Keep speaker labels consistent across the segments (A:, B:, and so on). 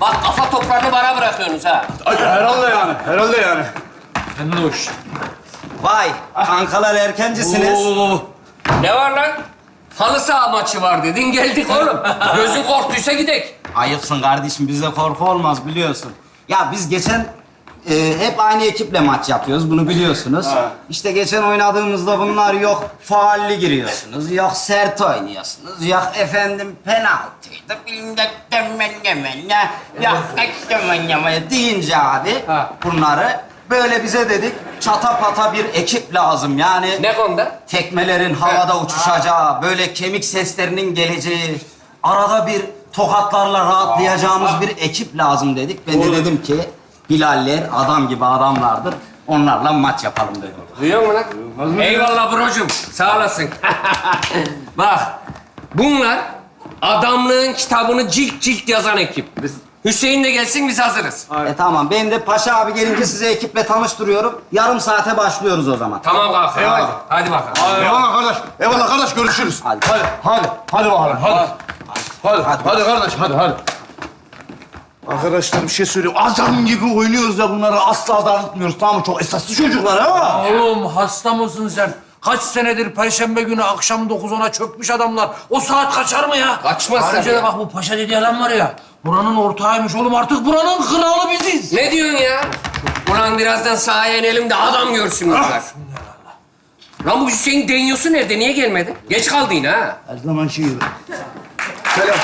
A: Bak kafa toprağını bana bırakıyorsunuz ha.
B: Herhalde yani, herhalde yani.
C: Fennoş.
D: Vay, kankalar erkencisiniz.
A: Ne var lan? Halı saha maçı var dedin, geldik oğlum. Gözün korktuysa gidek.
D: Ayıpsın kardeşim, bizde korku olmaz biliyorsun. Ya biz geçen hep aynı ekiple maç yapıyoruz, bunu biliyorsunuz. İşte geçen oynadığımızda bunlar yok faalli giriyorsunuz, yok sert oynuyorsunuz, yok efendim penaltıydı, bilmem ne, yok deyince abi bunları böyle bize dedik çata pata bir ekip lazım yani.
A: Ne konuda?
D: Tekmelerin havada uçuşacağı, böyle kemik seslerinin geleceği, arada bir tokatlarla rahatlayacağımız bir ekip lazım dedik. Ben de dedim ki Bilaller adam gibi adamlardır. Onlarla maç yapalım dedim.
A: Duyuyor musun lan? Eyvallah brocum, sağ olasın. Bak, bunlar adamlığın kitabını cilt cilt yazan ekip. Hüseyin de gelsin, biz hazırız.
D: Tamam, ben de Paşa abi gelince size ekiple tanıştırıyorum. Yarım saate başlıyoruz o zaman.
A: Tamam kanka, hadi bakalım.
B: Eyvallah kardeş, eyvallah kardeş, görüşürüz.
D: Hadi.
B: Hadi bakalım, hadi. Hadi kardeş, hadi. Arkadaşlar bir şey söyleyeyim. Adam gibi oynuyoruz ya bunları asla dağıtmıyoruz. Tamam mı? Çok esaslı çocuklar ha.
C: Oğlum hasta mısın sen? Kaç senedir Perşembe günü akşam 9-10'a çökmüş adamlar. O saat kaçar mı ya?
A: Kaçmaz
C: Ayrıca
A: tabii
C: da
A: ya.
C: bak bu paşa dediği adam var ya. Buranın ortağıymış oğlum. Artık buranın kralı biziz.
A: Ne diyorsun ya? Ulan birazdan sahaya inelim de adam görsün bunlar. Lan bu Hüseyin deniyorsu nerede? Niye gelmedi? Geç kaldı yine ha.
B: Her zaman şey gibi. Selam.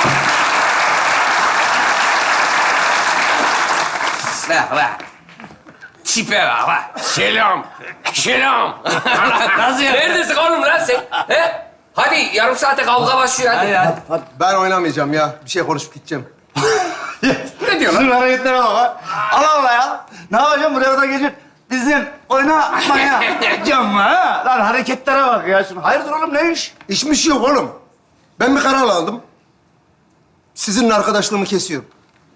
A: Bak. Tipe bak. Selam. Nasıl ya? Neredesin oğlum lan sen? He? Hadi yarım saate kavga başlıyor hadi.
E: Ben oynamayacağım ya. Bir şey konuşup gideceğim.
A: Ne diyor lan?
B: Şunun hareketlere bak ha. Allah Allah ya. Ne yapacağım buraya kadar geçip bizim oynamaya gideceğim ha. Lan hareketlere bak ya. Şunu. Hayırdır oğlum ne iş?
E: İşmiş yok oğlum. Ben bir karar aldım. Sizinle arkadaşlığımı kesiyorum.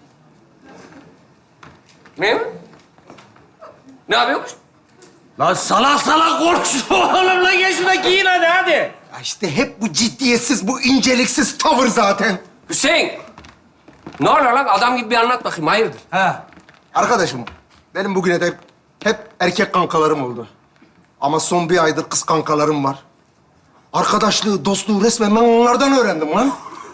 A: Ne? Ne yapıyormuş?
C: Lan salak konuştu oğlum. Lan gel şuna giyin hadi.
E: Ya işte hep bu ciddiyetsiz, bu inceliksiz tavır zaten.
A: Hüseyin. Ne oluyor lan? Adam gibi bir anlat bakayım. Hayırdır?
E: Arkadaşım, benim bugüne de hep erkek kankalarım oldu. Ama son bir aydır kız kankalarım var. Arkadaşlığı, dostluğu resmen ben onlardan öğrendim lan.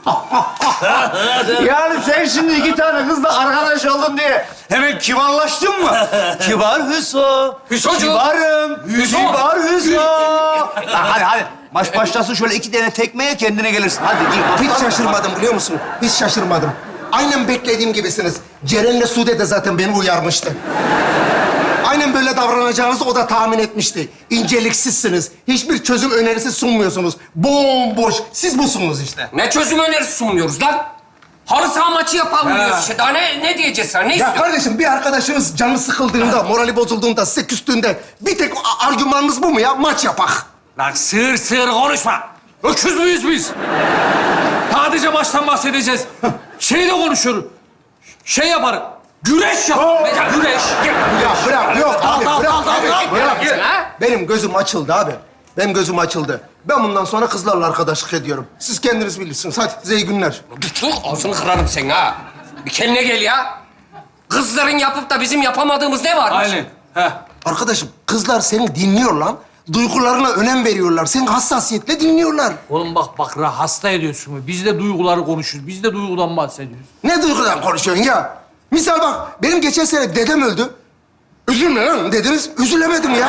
B: Yani sen şimdi iki tane kızla arkadaş oldun diye hemen kibarlaştın mı? Kibar Hüso.
A: Hüsocu.
B: Kibarım.
A: Hüso.
B: Kibar Hüso. Lan hadi. Maç başlasın şöyle iki tane tekmeye kendine gelirsin. Hadi gir.
E: Hiç şaşırmadım biliyor musun? Hiç şaşırmadım. Aynen beklediğim gibisiniz. Ceren'le Sude de zaten beni uyarmıştı. Aynen böyle davranacağınızı o da tahmin etmişti. İnceliksizsiniz. Hiçbir çözüm önerisi sunmuyorsunuz. Bomboş. Siz busunuz işte.
A: Ne çözüm önerisi sunmuyoruz lan? Halı saha maçı yapalım diyoruz işte. Daha ne diyeceğiz sana? Ne
E: Ya
A: istiyorsun?
E: kardeşim bir arkadaşınız canı sıkıldığında, morali bozulduğunda, size küstüğünde bir tek argümanınız bu mu ya? Maç yapak.
C: Lan sığır konuşma. Öküz müyüz biz? Sadece maçtan bahsedeceğiz. Şeyle konuşuyoruz. Şey yaparım. Güreş yaparım. Güreş.
E: Ya bırak, yok abi,
C: Dal,
E: bırak
C: dal,
E: abi,
C: dal,
E: bırak.
A: Ha?
E: Benim gözüm açıldı abi. Benim gözüm açıldı. Ben bundan sonra kızlarla arkadaşlık ediyorum. Siz kendiniz bilirsiniz. Hadi size iyi günler.
A: Dur, ağzını kırarım sen ha. Bir kendine gel ya. Kızların yapıp da bizim yapamadığımız ne varmış?
C: Aynen. Heh.
E: Arkadaşım kızlar seni dinliyor lan. Duygularına önem veriyorlar. Seni hassasiyetle dinliyorlar.
C: Oğlum bak hasta ediyorsun. Biz de duyguları konuşuyoruz. Biz de duygudan bahsediyoruz.
E: Ne duygudan konuşuyorsun ya? Misal bak, benim geçen sene dedem öldü. Üzülme lan dediniz, üzülemedim ya.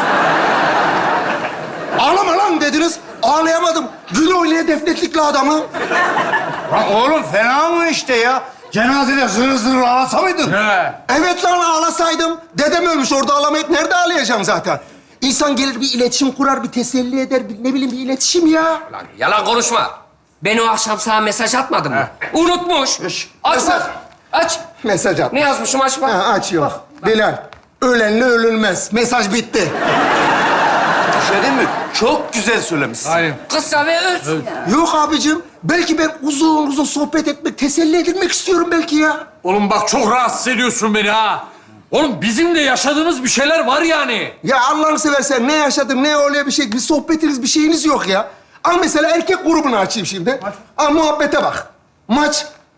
E: Ağlama lan dediniz, ağlayamadım. Gül oynaya defnettik la adamı.
B: Lan oğlum fena mı işte ya? Cenazede zır ağlasa mıydın?
E: Evet lan ağlasaydım. Dedem ölmüş, orada ağlamayıp nerede ağlayacağım zaten? İnsan gelir bir iletişim kurar, bir teselli eder, ne bileyim bir iletişim ya.
A: Lan yalan konuşma. Ben o akşam sana mesaj atmadım mı? Unutmuş. Aç
E: Mesaj.
A: bak. Aç.
E: Mesaj at.
A: Ne yazmışım aç bak.
E: Ha, açıyorum. Bilal, ölenle ölünmez. Mesaj bitti.
B: Bir şey değil mi? Çok güzel söylemişsin.
C: Aynen.
A: Kısa ve öz.
E: Yok abicim, belki ben uzun uzun sohbet etmek, teselli edilmek istiyorum belki ya.
C: Oğlum bak çok rahatsız ediyorsun beni ha. Oğlum bizim de yaşadığımız bir şeyler var yani.
E: Ya Allah'ını seversen ne yaşadım, ne oluyor bir şey, bir sohbetiniz, bir şeyiniz yok ya. Al mesela erkek grubunu açayım şimdi. Al muhabbete bak. Maç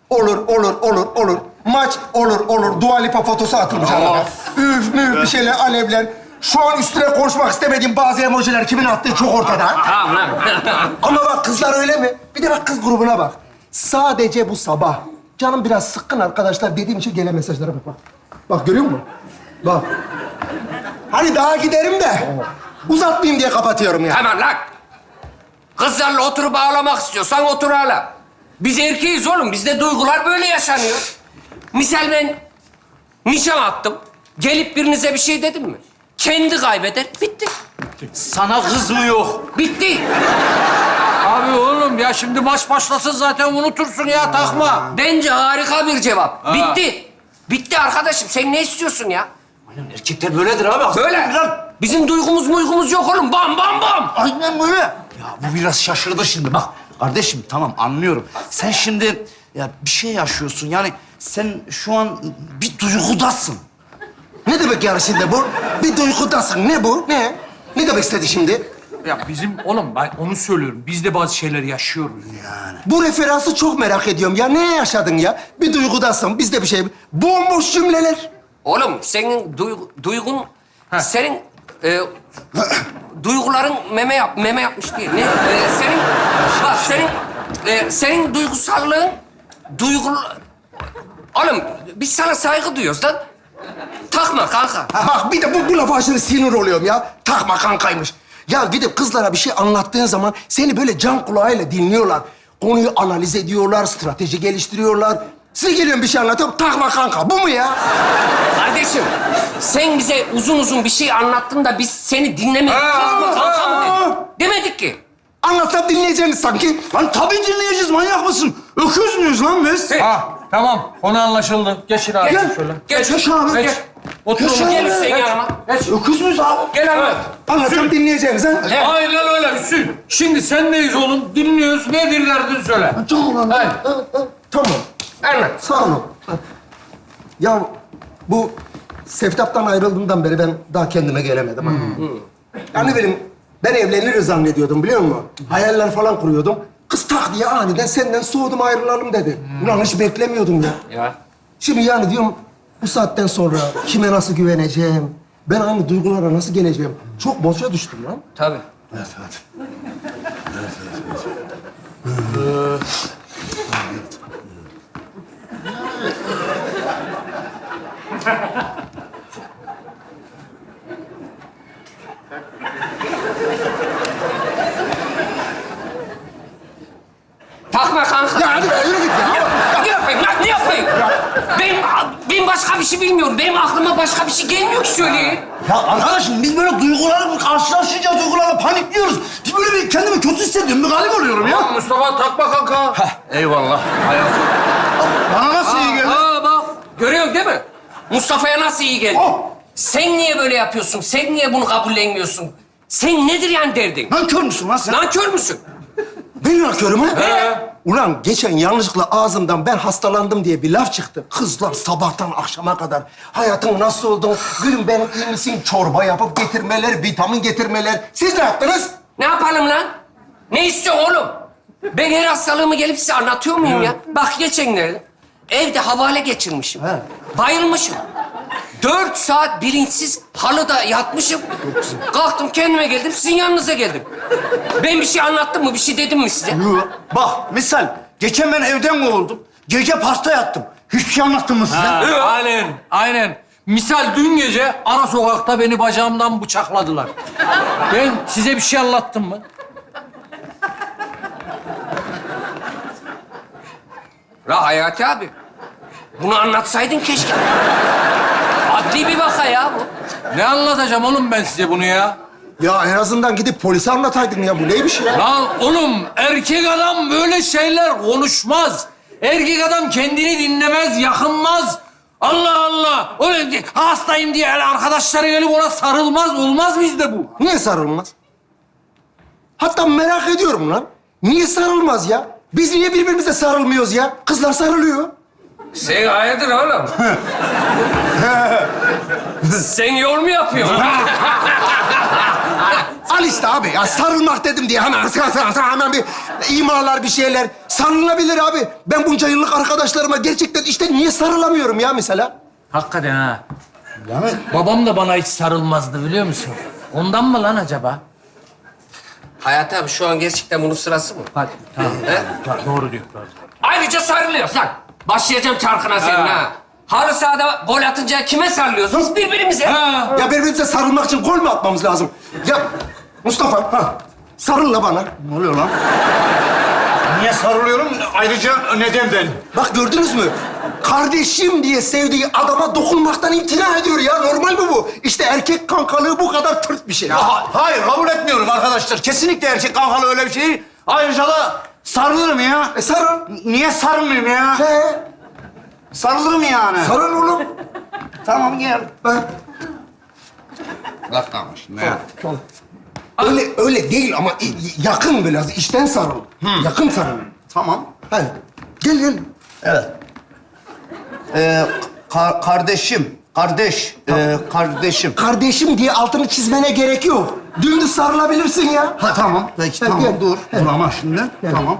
E: Olur. Maç olur. Dua Lipa fotosu atılmış arada. Üf müf bir şeyler, alevler. Şu an üstüne konuşmak istemediğim bazı emojiler kimin attığı çok ortada.
A: Tamam lan.
E: Ama bak kızlar öyle mi? Bir de bak kız grubuna bak. Sadece bu sabah. Canım biraz sıkkın arkadaşlar dediğim için gelen mesajlara bak. Bak görüyor musun? Bak. Hani daha giderim de uzatmayayım diye kapatıyorum ya.
A: Tamam lan. Kızlarla oturup ağlamak istiyorsan otur ağla. Biz erkeğiz oğlum. Bizde duygular böyle yaşanıyor. Misal ben nişan attım. Gelip birinize bir şey dedim mi? Kendi kaybeder. Bitti.
B: Sana kız mı yok?
A: Bitti.
C: Abi oğlum ya şimdi maç başlasın zaten unutursun ya takma.
A: Bence harika bir cevap. Bitti. Bitti arkadaşım. Sen ne istiyorsun ya?
B: Erkekler böyledir abi.
A: Böyle. Bizim duygumuz yok oğlum. Bam bam bam.
B: Aynen böyle. Ya bu biraz şaşırdı şimdi. Bak kardeşim tamam anlıyorum. Sen şimdi ya bir şey yaşıyorsun. Yani sen şu an bir duygudasın.
E: Ne demek yani şimdi bu? Bir duygudasın. Ne bu? Ne? Ne demek istedi şimdi?
C: Ya bizim oğlum ben onu söylüyorum. Biz de bazı şeyler yaşıyoruz ya.
E: Bu referansı çok merak ediyorum ya. Ne yaşadın ya? Bir duygudasın, biz de bir şey... Bomboş cümleler.
A: Oğlum senin duygun... Senin duyguların meme yapmış diye. Ne? Senin duygusallığın... Oğlum biz sana saygı duyuyoruz lan. Takma kanka.
E: Ha, bak bir de bu lafa aşırı sinir oluyorum ya. Takma kankaymış. Ya gidip kızlara bir şey anlattığın zaman seni böyle can kulağıyla dinliyorlar. Konuyu analiz ediyorlar, strateji geliştiriyorlar. Size geliyorum bir şey anlatıyorum, takma kanka. Bu mu ya?
A: Kardeşim, sen bize uzun bir şey anlattın da biz seni dinlemedik. Takma kanka mı dedik? Demedik ki.
E: Anlatsam dinleyeceğiniz sanki.
B: Lan tabii dinleyeceğiz. Manyak mısın? Öküz müyüz lan biz?
C: Ha tamam konu anlaşıldı. Geçin abi
A: Gel.
C: şöyle.
A: Geç.
E: abi.
C: Geç. Otur oğlum.
A: Gel Hüseyin yanıma.
B: Öküz müyüz abi?
A: Gel anlat.
E: Anlatsam dinleyeceğiniz ha.
C: Aynen öyle Hüsnü. Şimdi sendeyiz oğlum. Dinliyoruz. Nedir derdin söyle.
E: Tamam.
C: Hayır.
E: Tamam.
A: Anlat.
E: Sağ olun. Ya bu Seftap'tan ayrıldığımdan beri ben daha kendime gelemedim. Ha. Yani ben evleniriz zannediyordum biliyor musun? Hayaller falan kuruyordum. Kız tak diye aniden senden soğudum ayrılalım dedi. Ulan hiç beklemiyordum ya.
A: Ya.
E: Şimdi yani diyorum bu saatten sonra kime nasıl güveneceğim? Ben aynı duygulara nasıl geleceğim? Çok boşa düştüm lan.
A: Tabii. Takma kanka.
E: Ya hadi be yürü git ya.
A: Ne yapayım lan? Ne yapayım? Ben başka bir şey bilmiyorum. Benim aklıma başka bir şey gelmiyor ki söyleyeyim.
B: Ya arkadaşım biz böyle duygularla karşılaşınca duygularla panikliyoruz. Bir böyle bir kendimi kötü hissediyorum. Bir galip oluyorum ya.
C: Mustafa takma kanka.
B: Eyvallah. Bana nasıl iyi geldi?
A: Bak. Görüyorsun değil mi? Mustafa'ya nasıl iyi geldi?
B: Oh.
A: Sen niye böyle yapıyorsun? Sen niye bunu kabullenmiyorsun? Sen nedir yani derdin?
B: Nankör müsün lan sen?
A: Nankör müsün?
E: Ben nakıyorum ha? Ulan geçen yanlışlıkla ağzımdan ben hastalandım diye bir laf çıktı. Kızlar sabahtan akşama kadar hayatın nasıl oldu? Gülüm benim iyi misin? Çorba yapıp getirmeler, vitamin getirmeler. Siz ne yaptınız?
A: Ne yapalım lan? Ne istiyorsun oğlum? Ben her hastalığımı gelip size anlatıyor muyum ya? Bak geçenlerde evde havale geçirmişim.
E: He.
A: Bayılmışım. 4 saat bilinçsiz halıda yatmışım. Kalktım kendime geldim, sizin yanınıza geldim. Ben bir şey anlattım mı, bir şey dedim mi size?
B: Bak misal geçen ben evden kovuldum. Gece pasta yattım. Hiçbir şey anlattım mı size?
C: Aynen. Misal dün gece ara sokakta beni bacağımdan bıçakladılar. Ben size bir şey anlattım mı?
A: La Hayati abi, bunu anlatsaydın keşke. Adli bir vaka ya bu.
C: Ne anlatacağım oğlum ben size bunu ya?
E: Ya en azından gidip polise anlataydın ya. Bu neymiş ya?
C: Lan oğlum erkek adam böyle şeyler konuşmaz. Erkek adam kendini dinlemez, yakınmaz. Allah Allah. Öyle hastayım diye öyle arkadaşları gelip ona sarılmaz. Olmaz bizde bu.
E: Niye sarılmaz? Hatta merak ediyorum lan. Niye sarılmaz ya? Biz niye birbirimize sarılmıyoruz ya? Kızlar sarılıyor.
A: Sen hayırdır oğlum? Sen yol mu yapıyorsun?
E: Al işte abi. Ya sarılmak dedim diye hemen bir imalar, bir şeyler. Sarılabilir abi. Ben bunca yıllık arkadaşlarıma gerçekten işte niye sarılamıyorum ya mesela?
C: Hakikaten ha. Babam da bana hiç sarılmazdı biliyor musun? Ondan mı lan acaba?
A: Hayati abi şu an gerçekten bunun sırası mı?
C: Hadi, tamam.
A: He?
C: Doğru diyor. Doğru.
A: Ayrıca sarılıyoruz lan. Başlayacağım çarkına senin ha. Halı sahada gol atınca kime sarılıyorsunuz? Birbirimize.
E: Ya birbirimize sarılmak için gol mü atmamız lazım? Ya Mustafa, sarıl la bana.
B: Ne oluyor lan? Niye sarılıyorum? Ayrıca nedenden.
E: Bak gördünüz mü? Kardeşim diye sevdiği adama dokunmaktan imtina ediyor ya. Normal mi bu? İşte erkek kankalığı bu kadar tırt bir şey.
B: Hayır, kabul etmiyorum arkadaşlar. Kesinlikle erkek kankalı öyle bir şey değil. Ayrıca da sarılırım ya.
E: Sarıl.
B: Niye sarılmayayım ya?
E: He,
B: Sarılırım yani.
E: sarıl oğlum.
B: Tamam, gel.
E: Ha.
B: Bak tamam şimdi ya.
E: Öyle değil ama yakın biraz. İçten sarıl. Yakın sarıl.
B: Tamam.
E: Hadi. Gel.
B: Evet. Kardeşim.
E: Kardeşim diye altını çizmene gerek yok. Dümdüz sarılabilirsin ya.
B: Ha tamam. Peki
E: Hadi
B: tamam.
E: gel.
B: Dur.
E: Hadi.
B: Dur ama şimdi.
E: Gel.
B: Tamam.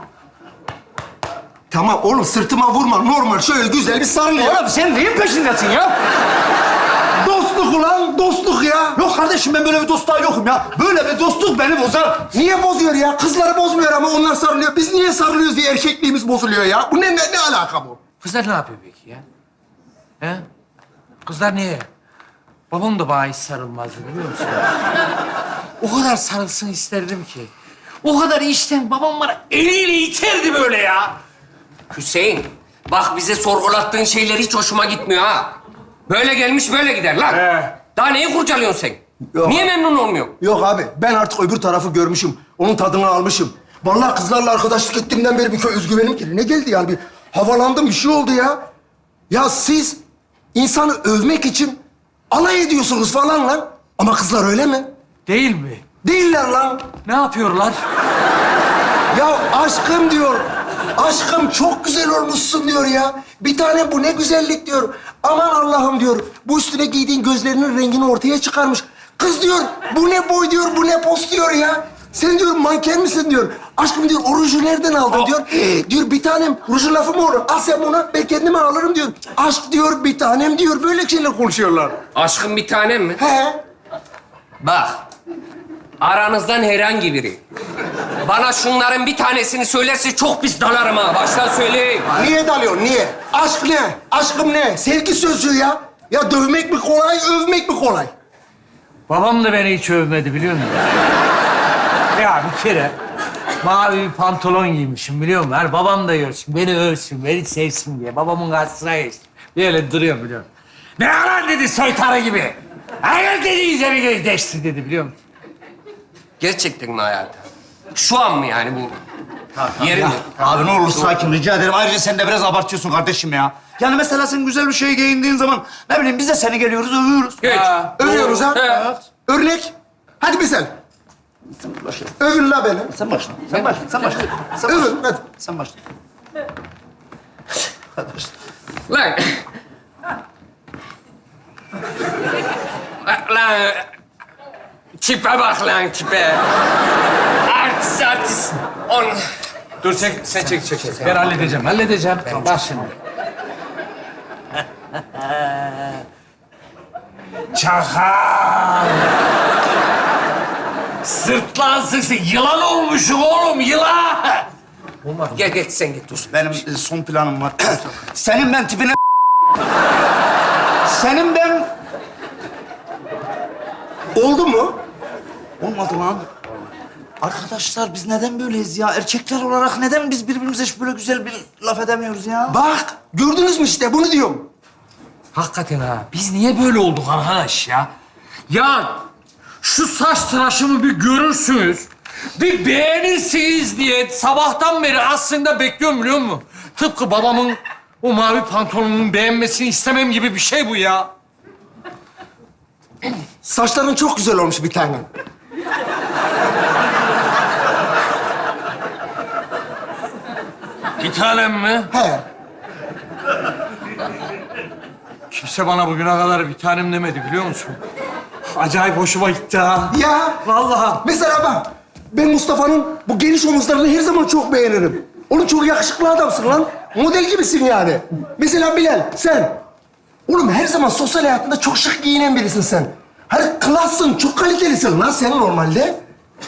E: Tamam oğlum sırtıma vurma. Normal şöyle güzel bir sarıl ya.
B: Oğlum sen neyin peşindesin ya?
E: Dostluk ulan, dostluk ya.
B: Yok kardeşim, ben böyle bir dostluğa yokum ya. Böyle bir dostluk beni bozar.
E: Niye bozuyor ya? Kızları bozmuyor ama onlar sarılıyor. Biz niye sarılıyoruz diye erkekliğimiz bozuluyor ya. Bu ne alaka bu?
C: Kızlar ne yapıyor peki ya? He? Kızlar niye? Babam da bana hiç sarılmazdı biliyor musun? O kadar sarılsın isterdim ki. O kadar işten babam bana eliyle iterdi böyle ya.
A: Hüseyin, bak bize sorgulattığın şeyler hiç hoşuma gitmiyor ha. Böyle gelmiş böyle gider lan. Daha neyi kurcalıyorsun sen?
E: Yok.
A: Niye memnun olmuyorsun?
E: Yok abi, ben artık öbür tarafı görmüşüm. Onun tadını almışım. Vallahi kızlarla arkadaşlık ettiğimden beri bir özgüvenim kendine geldi yani. Bir havalandım, bir şey oldu ya. Ya siz insanı övmek için alay ediyorsunuz falan lan. Ama kızlar öyle mi?
C: Değil mi?
E: Değiller lan.
C: Ne yapıyorlar?
E: Ya aşkım diyor. Aşkım çok güzel olmuşsun diyor ya. Bir tane bu ne güzellik diyor. Aman Allah'ım diyor. Bu üstüne giydiğin gözlerinin rengini ortaya çıkarmış. Kız diyor bu ne boy diyor, bu ne pos diyor ya. Sen diyor manken misin diyor. Aşkım diyor o ruju nereden aldın diyor. Diyor bir tanem rujun lafı mı olur? Al sen bunu ben kendime alırım diyor. Aşk diyor bir tanem diyor. Böyle şeyler konuşuyorlar.
A: Aşkın bir tanem mi?
E: He.
A: Bak, aranızdan herhangi biri bana şunların bir tanesini söylerse çok pis dalarım ha. Baştan söyleyeyim.
E: Niye dalıyorsun niye? Aşk ne? Aşkım ne? Sevgi sözcüğü ya. Ya dövmek mi kolay, övmek mi kolay?
C: Babam da beni hiç övmedi biliyor musun? Ya bir kere mavi bir pantolon giymişim biliyor musun? Her babam da görsün, beni övsün, beni sevsin diye. Babamın karşısına geçtim. Böyle duruyorum biliyor musun? Ne lan dedi soytarı gibi. Hayır dedi üzeri geçti dedi biliyor musun?
A: Gerçekten mi hayatım? Şu an mı yani bu? Yeri mi?
B: Abi ne olur sakin, rica ederim. Ayrıca sen de biraz abartıyorsun kardeşim ya. Yani mesela sen güzel bir şey giyindiğin zaman ne bileyim biz de seni geliyoruz, övüyoruz.
A: Geç.
E: Övüyoruz ha.
A: Evet.
E: Örnek. Hadi bir sen. Övün la beni.
B: Sen başla. Sen başla. Sen başla. Sen başla.
E: Övün hadi.
B: Sen başla.
A: Lan. Lan. Tipe bak lan tipe. Artist.
C: Dur sen çek. Ben halledeceğim. Bak şimdi. Çakal. Sırtlansın. Yılan olmuşsun oğlum, yılan.
A: Gel sen git dur.
B: Benim son planım var. Senin ben tipine... Senin ben...
E: Oldu mu?
B: Olmadı lan. Arkadaşlar biz neden böyleyiz ya? Erkekler olarak neden biz birbirimize hiç böyle güzel bir laf edemiyoruz ya?
E: Bak gördünüz mü işte bunu diyorum.
C: Hakikaten ha. Biz niye böyle olduk arkadaş ya? Ya şu saç tıraşımı bir görürsünüz. Bir beğenirsiniz diye sabahtan beri aslında bekliyorum biliyor musun? Tıpkı babamın o mavi pantolonunun beğenmesini istemem gibi bir şey bu ya.
E: Saçların çok güzel olmuş bir tanem.
C: Bir tanem mi?
E: He.
C: Kimse bana bugüne kadar bir tanem demedi biliyor musun? acayip hoşuma gitti ha.
E: Ya.
C: Vallahi.
E: Mesela bak, ben Mustafa'nın bu geniş omuzlarını her zaman çok beğenirim. Oğlum çok yakışıklı adamsın lan. Model gibisin yani. Mesela Bilal, sen. Oğlum her zaman sosyal hayatında çok şık giyinen birisin sen. Hani klassın, çok kalitelisin lan sen normalde.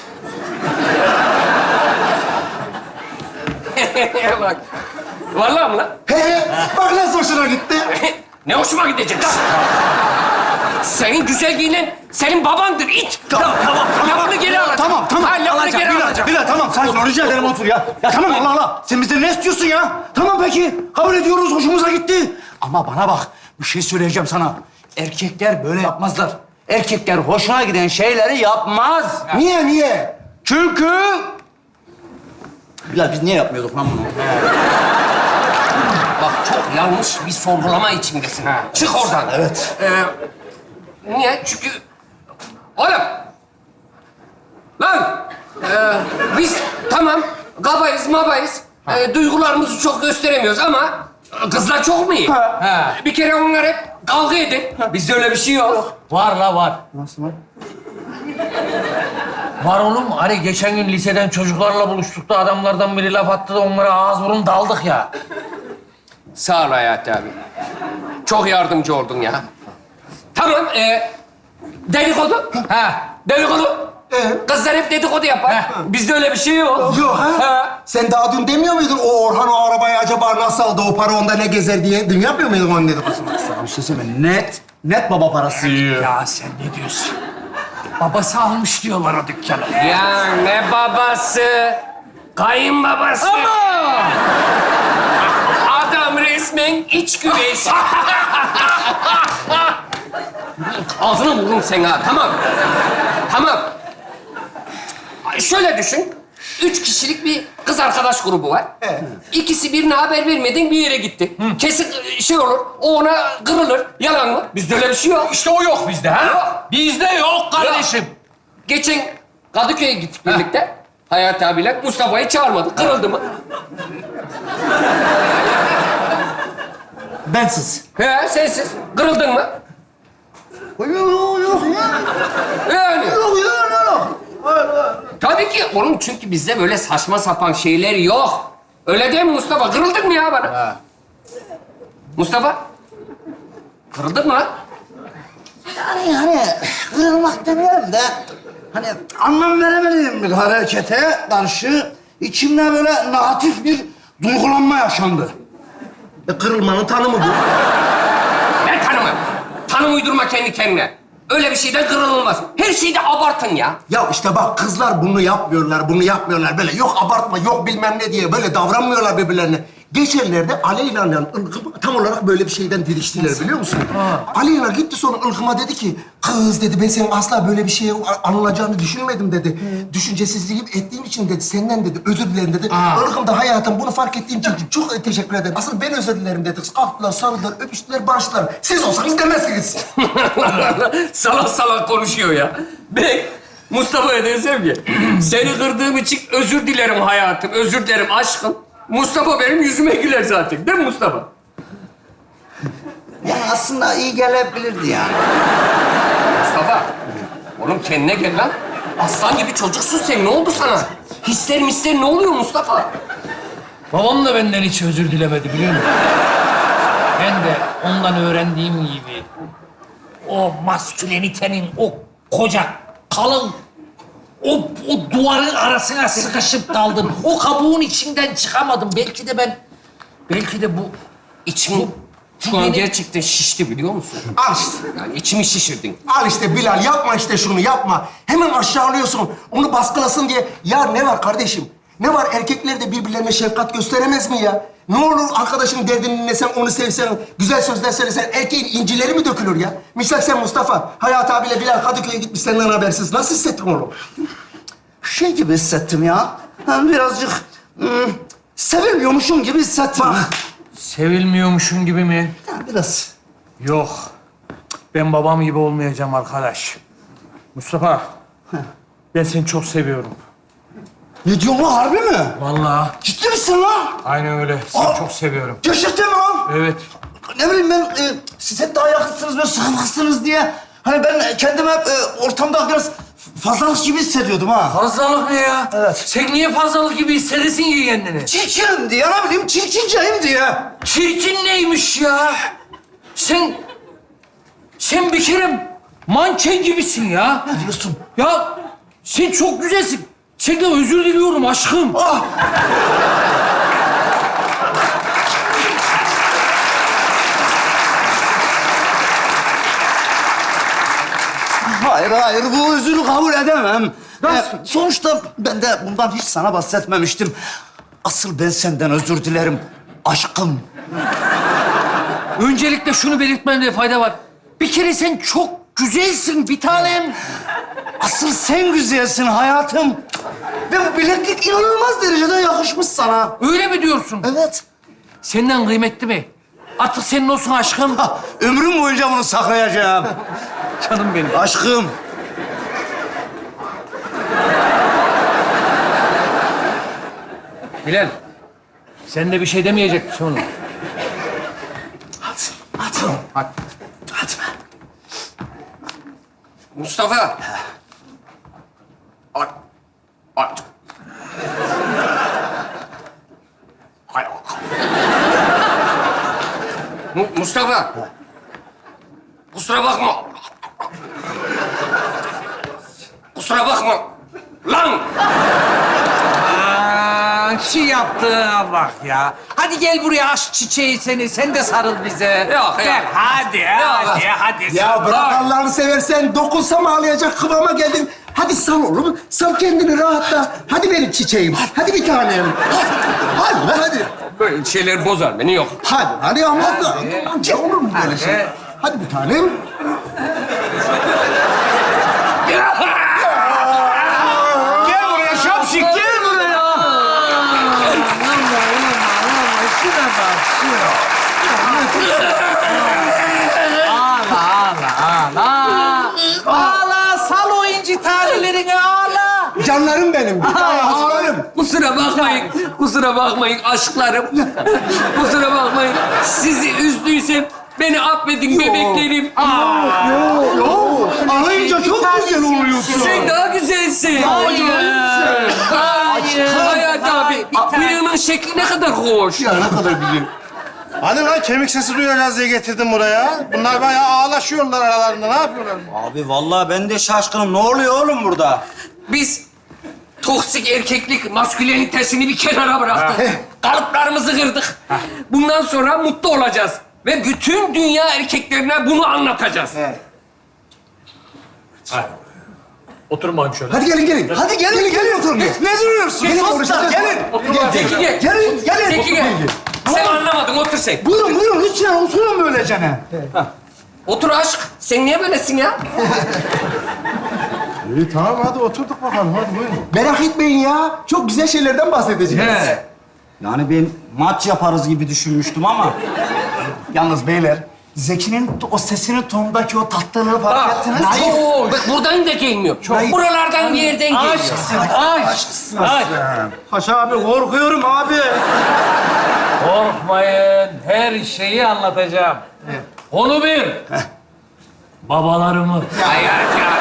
A: Bak. Vallahi mi lan?
E: He, bak nasıl hoşuna gitti.
A: Ne hoşuma gidecek lan? Senin güzel giyinen senin babandır it.
B: Tamam.
A: Lafını geri alacağım.
B: Tamam.
A: Ha, lafını geri
B: Bilal,
A: alacağım.
B: Bilal tamam. Sakin ol. Rica ederim otur ya. Ya tamam Allah Allah. Sen bizden ne istiyorsun ya? Tamam peki. Kabul ediyoruz. Hoşumuza gitti. Ama bana bak. Bir şey söyleyeceğim sana. Erkekler böyle yapmazlar. Erkekler hoşuna giden şeyleri yapmaz.
E: Niye?
B: Çünkü... Bilal biz niye yapmıyorduk lan bunu?
A: Bak çok yanlış bir sorgulama içindesin. Çık oradan.
B: Evet.
A: Niye? Çünkü... Oğlum! Lan! Biz tamam kabayız mabayız. Duygularımızı çok gösteremiyoruz ama kızlar çok mu iyi?
C: Ha.
A: Bir kere onlar hep kavga edin. Bizde öyle bir şey yok.
C: Var la var.
B: Nasıl var?
C: Var oğlum. Hani geçen gün liseden çocuklarla buluştuk da adamlardan biri laf attı da onlara ağız burun daldık ya.
A: Sağ ol Hayati abi. Çok yardımcı oldun ya. Tamam, dedikodu.
C: Ha.
A: Dedikodu. Kızlar hep dedikodu yapar.
C: Heh.
A: Bizde öyle bir şey yok.
E: Yok ha? Sen daha dün demiyor muydun o Orhan o arabayı acaba nasıl aldı, o para onda ne gezer diye? Dün yapmıyor muydun onu dedikodusunu?
B: Bir şey söyleyeyim. Net baba parası yiyor.
C: Ya sen ne diyorsun? Babası almış diyorlar o dükkanı.
A: Ya ne babası? Kayınbabası.
C: Ama!
A: Adam resmen iç güveç. Ağzına vururum seni ha, tamam. Tamam. Şöyle düşün. 3 kişilik bir kız arkadaş grubu var.
E: Evet.
A: İkisi birine haber vermeden bir yere gitti. Kesin şey olur, o ona kırılır. Yalan mı? Bizde öyle bir şey yok.
C: İşte o yok bizde ha.
A: Yok.
C: Bizde yok kardeşim.
A: Geçen Kadıköy'e gittik birlikte. Hayati abiyle Mustafa'yı çağırmadık. Kırıldı mı?
B: Bensiz.
A: He, sensiz. Kırıldın mı?
B: Yok ya.
A: Yani.
B: Yok.
A: Tabii ki. Oğlum çünkü bizde böyle saçma sapan şeyler yok. Öyle değil mi Mustafa? Kırıldın mı ya bana? Mustafa? Kırıldın mı lan?
B: Yani kırılmak demeyelim de hani anlam veremediğim bir harekete karşı içimde böyle negatif bir duygulanma yaşandı.
E: Kırılmanın tanımı bu.
A: Ne tanımı? Tanım uydurma kendi kendine. Öyle bir şeyden kırılmaz. Her şeyde abartın ya.
E: Ya işte bak kızlar bunu yapmıyorlar böyle. Yok abartma, yok bilmem ne diye böyle davranmıyorlar birbirlerine. Geçenlerde Aleyna'yla Ilgım tam olarak böyle bir şeyden diriştiler biliyor musun? Aleyna gitti sonra Ilgım'a dedi ki, kız dedi ben senin asla böyle bir şeye anılacağını düşünmedim dedi. Düşüncesizliğim ettiğim için dedi, senden dedi, özür dilerim dedi. Ilgım da hayatım bunu fark ettiğim için çok teşekkür ederim. Asıl ben özür dilerim dedi. Kalktılar, sarıldılar, öpüştüler, barıştılar. Siz olsanız demezsiniz.
A: Salak salak konuşuyor ya. Ben Mustafa'ya desem ki, seni kırdığım için özür dilerim hayatım, özür dilerim aşkım. Mustafa benim yüzüme güler zaten. Değil mi Mustafa?
B: Yani aslında iyi gelebilirdi yani.
A: Mustafa, oğlum kendine gel lan. Aslan gibi çocuksun sen. Ne oldu sana? Hisler misler ne oluyor Mustafa?
C: Babam da benden hiç özür dilemedi biliyor musun? Ben de ondan öğrendiğim gibi o maskülenitenin o koca, kalın, o duvarın arasına sıkışıp kaldım. O kabuğun içinden çıkamadım. Belki de bu
A: İçim şu an
C: benim-
A: gerçekten şişti biliyor musun?
E: Al işte.
A: Yani içimi şişirdin.
E: Al işte Bilal, yapma işte şunu, yapma. Hemen aşağılıyorsun, onu baskılasın diye. Ya ne var kardeşim? Ne var? Erkekler de birbirlerine şefkat gösteremez mi ya? Ne olur arkadaşın derdini dinlesen, onu sevsen, güzel sözler söylesen, erkeğin incileri mi dökülür ya? Misal sen Mustafa, Hayat abiyle Bilal Kadıköy'e gitmiş senden habersiz. Nasıl hissettin oğlum?
B: Şey gibi hissettim ya. Ben birazcık sevilmiyormuşum gibi hissettim.
C: sevilmiyormuşum gibi mi?
B: Ya biraz.
C: Yok. Ben babam gibi olmayacağım arkadaş. Mustafa, ben seni çok seviyorum.
B: Ne diyorsun lan, harbi mi?
C: Vallahi.
B: Ciddi misin lan?
C: Aynen öyle. Seni
B: Aa!
C: çok seviyorum.
B: Gerçekten mi lan?
C: Evet.
B: Ne bileyim ben, siz hep daha yakınsınız, böyle sıkılmazsınız diye Hani ben kendimi hep ortamda biraz fazlalık gibi hissediyordum ha.
C: Fazlalık ne ya?
B: Evet.
C: Sen niye fazlalık gibi hissedesin ki kendini?
B: Çirkinim diye, ne bileyim, çirkinceyim diye.
C: Çirkin neymiş ya? Sen bir kere manken gibisin ya.
B: Ne diyorsun?
C: Ya sen çok güzelsin. Senden özür diliyorum aşkım.
B: Ah! Hayır, bu özürü kabul edemem. Sonuçta ben de bundan hiç sana bahsetmemiştim. Asıl ben senden özür dilerim aşkım.
C: Öncelikle şunu belirtmemde fayda var. Bir kere sen çok güzelsin bir tanem.
B: Asıl sen güzelsin hayatım. Ve bu bileklik inanılmaz derecede yakışmış sana.
C: Öyle mi diyorsun?
B: Evet.
C: Senden kıymetli mi? Artık senin olsun aşkım.
B: Ha, ömrüm boyunca bunu saklayacağım.
C: Canım benim.
B: Aşkım.
C: Bilal, sen de bir şey demeyecek misin oğlum?
B: Hadi.
A: Mustafa. Aç. Aç. Hay Allah. Mustafa. Kusura bakma. Kusura bakma. Lan!
C: Şu yaptığına bak ya. Hadi gel buraya aşk çiçeği seni. Sen de sarıl bize.
A: Yok,
C: Gel,
A: yok.
C: hadi.
E: Ya bırak Allah'ını seversen, dokunsam ağlayacak kıvama geldin. Hadi sal oğlum, sal kendini rahatla. Hadi benim çiçeğim, hadi bir tanem. Hadi.
A: Böyle şeyler bozar beni, yok.
E: Hadi ama amca olur mu böyle şey? Hadi bir tanem.
B: Gel buraya şapşik, gel buraya.
C: Ağla, sal o inci tanelerini ağla.
E: Canlarım benim, bir tane ağlarım.
A: Kusura bakmayın aşklarım. Kusura bakmayın. Sizi üzdüysem beni affedin bebeklerim.
B: Ağlayınca çok güzel oluyorsun.
A: Sen daha güzelsin. Hayat abi, bıyığının şekli ne kadar hoş.
E: Ya ne kadar güzel.
F: Hani lan kemik sesi duyacağız diye getirdim buraya. Bunlar bayağı ağlaşıyorlar aralarında. Ne yapıyorlar?
D: Abi vallahi ben de şaşkınım. Ne oluyor oğlum burada?
A: Biz toksik erkeklik maskülenitesini bir kenara bıraktık. Kalıplarımızı kırdık. Bundan sonra mutlu olacağız. Ve bütün dünya erkeklerine bunu anlatacağız.
C: Oturun bakayım şöyle.
E: Hadi gelin.
B: Hadi gelin oturun. Ne duruyorsun?
E: Gelin,
B: Dostlar,
E: konuşacağız.
B: gelin.
A: Zeki gel.
B: Gelin.
A: Zeki gel. Sen anlamadın, otur sen.
B: Buyurun lütfen oturun böylecene.
A: Otur aşk. Sen niye böylesin ya?
F: İyi tamam hadi oturduk bakalım. Hadi buyurun.
E: Merak etmeyin ya, çok güzel şeylerden bahsedeceğiz.
D: Yani ben maç yaparız gibi düşünmüştüm ama.
B: Yalnız beyler, Zeki'nin o sesinin tonundaki o tatlılığı fark ettiniz mi?
A: Bak buradan da gelmiyor. Buralardan bir yerden geliyor.
F: Paşa abi korkuyorum abi.
C: Korkmayın, her şeyi anlatacağım. Konu bir. Babalarımı.
A: Hayır ya.